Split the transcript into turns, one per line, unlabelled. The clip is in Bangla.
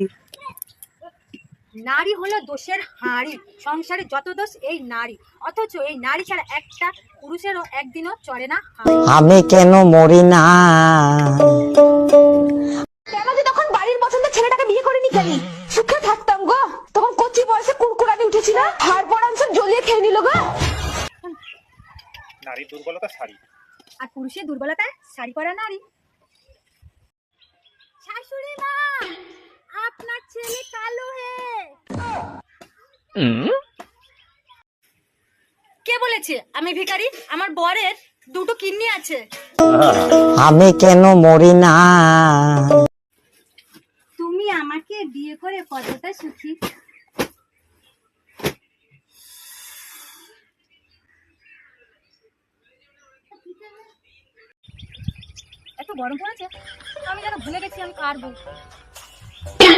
নারী হলো দোষের হাঁড়ি, সংসারে যত দোষ এই নারী, অথচ এই নারী ছাড়া একটা পুরুষেরও একদিনও চলে না হাঁড়ি।
আমি কেন মরি না?
কেন যে তখন বাড়ির পছন্দের ছেলেটাকে বিয়ে করিনি কেন? সুখে থাকতাম গো। তখন কচি বয়সে কুরকুরানি উঠেছি না, হাড় পড়াঞ্চল জ্বলিয়ে খেয়ে নিল গো।
নারীর দুর্বলতা শাড়ি,
আর পুরুষের দুর্বলতায় শাড়ি পরা নারী। শাশুড়ি মা, আপনার ছেলে কালো হে। কে বলেছে আমি ভিখারি? আমার বরের দুটো কিডনি আছে।
আমি কেন মরি না?
তুমি আমাকে বিয়ে করে কতটা সুখী? এত গরম পড়েছে, আমি যেন ভুলে গেছি আমি কার বউ।